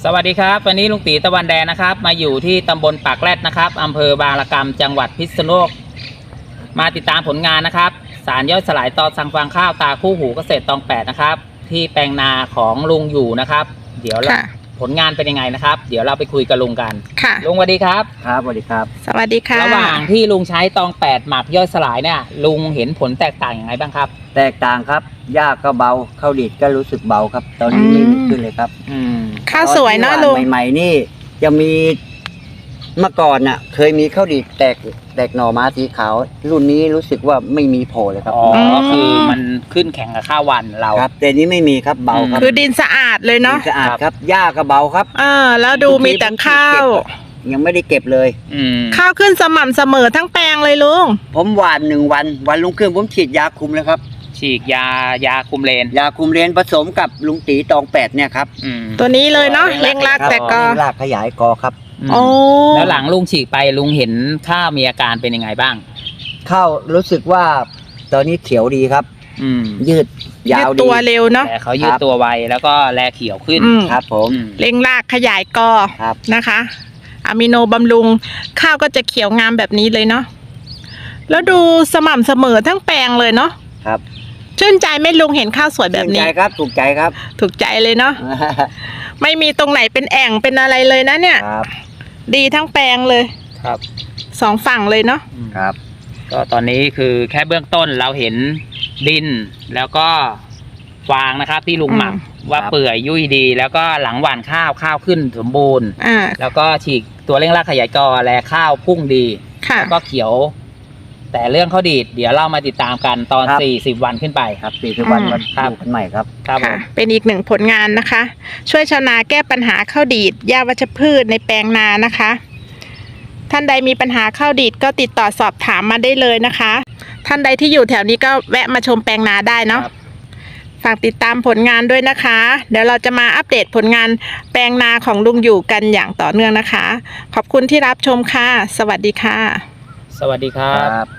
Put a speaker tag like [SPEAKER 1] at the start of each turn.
[SPEAKER 1] วัสดีครับวันนี้ลุงตีตะวันแดงนะครับมาอยู่ที่ตำบลปากแรดนะครับอำเภอบางระกำจังหวัดพิษณุโลกมาติดตามผลงานนะครับสารย่อยสลายต่อสั่งฟางข้าวตาคู่หูเกษตรตอง8นะครับที่แปลงนาของลุงอยู่นะครับเดี๋ยวผลงานเป็นยังไงนะครับเดี๋ยวเราไปคุยกับลุงกันค่ะลุงสวัสดีครับ
[SPEAKER 2] ครับสวัสดีครับ
[SPEAKER 3] สวัสดีค่ะ
[SPEAKER 1] ระหว่างที่ลุงใช้ตอง8หมักย่อยสลายเนี่ยลุงเห็นผลแตกต่างอย่างไรบ้างครับ
[SPEAKER 2] แตกต่างครับหญ้าก็เบาข้าวดีดก็รู้สึกเบาครับตอนนี้ไม่มีขึ้นเลยครับ
[SPEAKER 3] ข้าวสวยเนาะลุง
[SPEAKER 2] ใหม่ๆนี่จะมีเมื่อก่อนน่ะเคยมีข้าวดีดแตกหน่อมาสีขาวรุ่นนี้รู้สึกว่าไม่มีโผล่เลยครับ
[SPEAKER 1] อ๋อคือมันขึ้นแข่งกับข้าววันเรา
[SPEAKER 2] ครับแต่นี้ไม่มีครับเบาครับ
[SPEAKER 3] คือดินสะอาดเลยเนาะ
[SPEAKER 2] ดินสะอาดครับหญ้าก็เบาครับ
[SPEAKER 3] แล้วดูมีแต่ข้าว
[SPEAKER 2] ยังไม่ได้เก็บเลย
[SPEAKER 3] ข้าวขึ้นสม่ำเสมอทั้งแปลงเลยลุง
[SPEAKER 2] ผมหว่าน1 วันรุ่งขึ้นผมฉีดยาคุมเลยครับ
[SPEAKER 1] ฉีดยาคุมเลน
[SPEAKER 2] ผสมกับลุงตีตอง8เนี่ยครับ
[SPEAKER 3] ตัวนี้เลยเนาะเร่งรากแต่กอ
[SPEAKER 2] รากขยายกอครับ
[SPEAKER 1] แล้วหลังลุงฉีดไปลุงเห็นข้าวมีอาการเป็นยังไงบ้าง
[SPEAKER 2] ข้าวรู้สึกว่าตอนนี้เขียวดีครับยืดยาวดี
[SPEAKER 3] ตัวเร็วเนาะ
[SPEAKER 1] แต่เขายืดตัวไวแล้วก็แลเขียวขึ้น
[SPEAKER 2] ครับผม
[SPEAKER 3] เร่งรากขยายกอนะคะอะมิโนบำรุงข้าวก็จะเขียวงามแบบนี้เลยเนาะแล้วดูสม่ำเสมอทั้งแปลงเลยเนาะ
[SPEAKER 2] ครับ
[SPEAKER 3] ชื่นใจไหมลุงเห็นข้าวสวยแบบนี้
[SPEAKER 2] ถูกใจครับถูกใจครับ
[SPEAKER 3] ถูกใจเลยเนาะไม่มีตรงไหนเป็นแอ่งเป็นอะไรเลยนะเนี่ยดีทั้งแปลงเลย
[SPEAKER 1] ครับ
[SPEAKER 3] 2 ฝั่งเลยเนาะ
[SPEAKER 2] ครับ
[SPEAKER 1] ก็ตอนนี้คือแค่เบื้องต้นเราเห็นดินแล้วก็ฟางนะครับที่ลุงหมักว่าเปื่อยยุ่ยดีแล้วก็หลังหว่านข้าวขึ้นสมบูรณ์แล้วก็ฉีกตัวเร่งรากขยายกอแลข้าวพุ่งดีแล้วก็เขียวแต่เรื่องข้าวดีดเดี๋ยวเรามาติดตามกันตอน40 วันขึ้นไป
[SPEAKER 2] ครับ40 วันมาดูกันใหม่ครับ
[SPEAKER 3] ค่ะเป็นอีกหนึ่งผลงานนะคะช่วยชาวนาแก้ปัญหาข้าวดีดหญ้าวัชพืชในแปลงนานะคะท่านใดมีปัญหาข้าวดีดก็ติดต่อสอบถามมาได้เลยนะคะท่านใดที่อยู่แถวนี้ก็แวะมาชมแปลงนาได้เนาะฝากติดตามผลงานด้วยนะคะเดี๋ยวเราจะมาอัปเดตผลงานแปลงนาของลุงอยู่กันอย่างต่อเนื่องนะคะขอบคุณที่รับชมค่ะสวัสดีค่ะ
[SPEAKER 1] สวัสดีครับ